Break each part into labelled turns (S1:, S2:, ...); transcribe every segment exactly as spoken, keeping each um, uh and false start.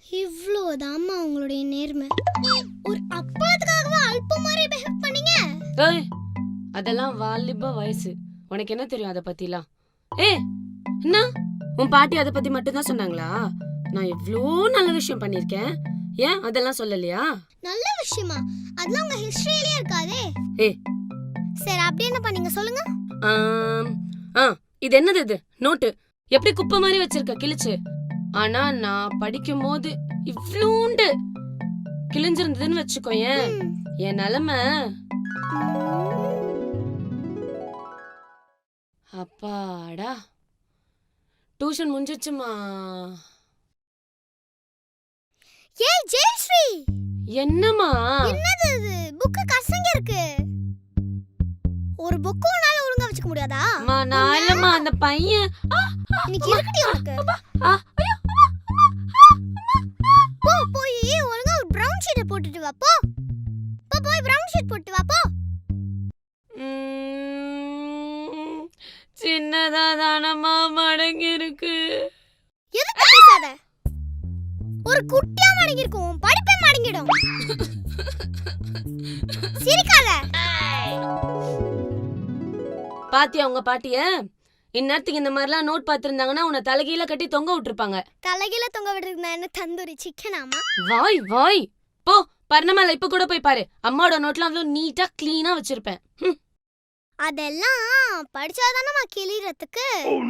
S1: இவ்வளவுதாம்மா உங்களுடைய நேர்மை. ஒரு அப்பளத்துக்காகவா அல்ப மாதிரி பிஹேவ் பண்ணீங்க?
S2: ஏய், அதெல்லாம் வாலிப வயசு. உனக்கு என்ன தெரியும் அத பத்திலாம்? ஏய், என்ன உன் பாட்டி அத பத்தி மட்டும் தான் சொன்னாங்களா? நான் எவ்ளோ நல்ல விஷயம் பண்ணிருக்கேன். ஏன் அதெல்லாம் சொல்லலையா?
S1: நல்ல விஷயமா? அதெல்லாம் உங்க ஹிஸ்டரியிலே இருக்காதே.
S2: ஏய்,
S1: சரி அப்படி என்ன பண்ணீங்க சொல்லுங்க.
S2: ஆம், ஆ இது என்னது இது? நோட்டு எப்படி குப்பை மாதிரி வச்சிருக்க கிழிச்சு. ஆனா நான் படிக்கும் போது இவ்ளூண்டு கிழிஞ்சிருந்ததுன்னு வச்சுக்கோயேன், என் நிலைமை. அப்பாடா, டியூஷன் முடிஞ்சிச்சுமா.
S1: ஏய் ஜெயஸ்ரீ,
S2: என்னம்மா?
S1: என்னது இது? புக்கு கசங்க இருக்கு. ஒரு புக்கு உன்னால ஒழுங்கா வச்சுக்க முடியாதா?
S2: அம்மா நான் இல்லம்மா, அந்த பையன்.
S1: இன்னைக்கு இருக்கடி உனக்கு.
S2: ஆ,
S1: போ போய் ஒழுங்கா ஒரு பிரவுன் ஷீட் போட்டுட்டு வா போ. போ போய் பிரவுன் ஷீட் போட்டு வா போ.
S2: ம், சின்னதா தானம்மா மடங்கி இருக்கு.
S1: எதுக்கு பேசாத? ஒரு குட்டியா மடங்கி இருக்கும், படிப்பே மடங்கிடும். சிரிக்காத.
S2: பாத்தியா உங்க பாட்டிய? இந்நேரத்துக்கு இந்த மாதிரிலாம் நோட் பாத்திருந்தாங்கன்னா உன்னை தலைகீழ கட்டி தொங்க விட்டுருப்பாங்க.
S1: தலைகீழ தொங்க விடுறது என்ன தந்தூரி சிக்கனாமா?
S2: வாய் வாய் போ. பர்ணமால இப்ப கூட போய் பாரு, அம்மாவோட நோட்லாம் அவ்வளவு நீட்டா கிளீனா வச்சிருப்பேன்.
S1: அதெல்லாம் படிச்சாதானமா கிளிறதுக்கு.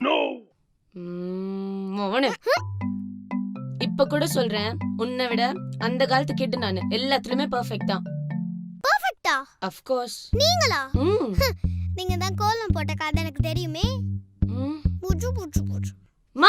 S2: மோனே, இப்ப கூட சொல்றேன், உன்னை விட அந்த காலத்து கிட்ட நானு எல்லாத்துலயுமே பெர்ஃபெக்ட் தான்.
S1: பெர்ஃபெக்ட்டா?
S2: Of course.
S1: நீங்களா?
S2: ம்
S1: நீங்க தான் கோலம் போட்ட கதை எனக்கு தெரியுமே.
S2: ம்
S1: புஜு புஜு புஜு.
S2: மா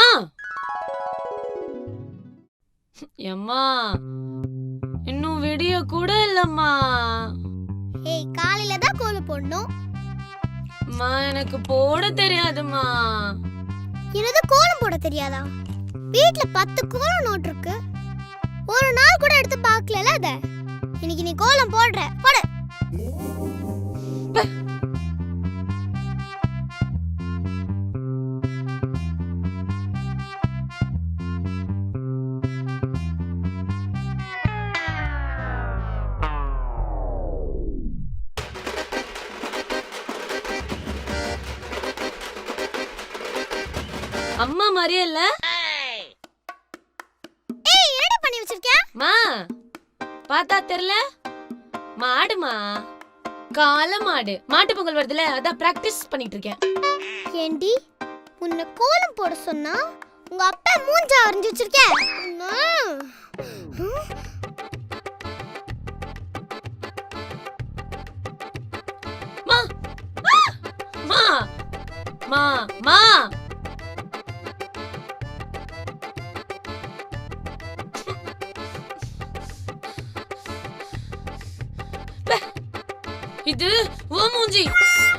S2: எம்மா, இன்னும் விடிய கூட இல்லம்மா.
S1: ஏய் காலையில தான் கோலம் போடணும்.
S2: மா எனக்கு போட தெரியாதுமா.
S1: என்னது கோலம் போட தெரியாதா? வீட்ல பத்து கோலம் நோட் இருக்கு. ஒரு நாள் கூட எடுத்து பார்க்கலல அத. இன்னைக்கு நீ கோலம் போடுற போடு.
S2: அம்மா மாதிரியே இல்ல?
S1: ஏய் என்னடி பண்ணி வச்சிருக்க?
S2: மா பார்த்தா தெரியல? மாடுமா, கால மாடு. மாட்டு பொங்கல் வருதுல, அதான் பிராக்டிஸ் பண்ணிட்டு இருக்கேன்.
S1: ஏண்டி உன்னை கோலம் போட சொன்னா உங்க அப்பா மூஞ்ச அரைஞ்சு வச்சிருக்க.
S2: மா மா மா மா இது ஓ மூஞ்சி.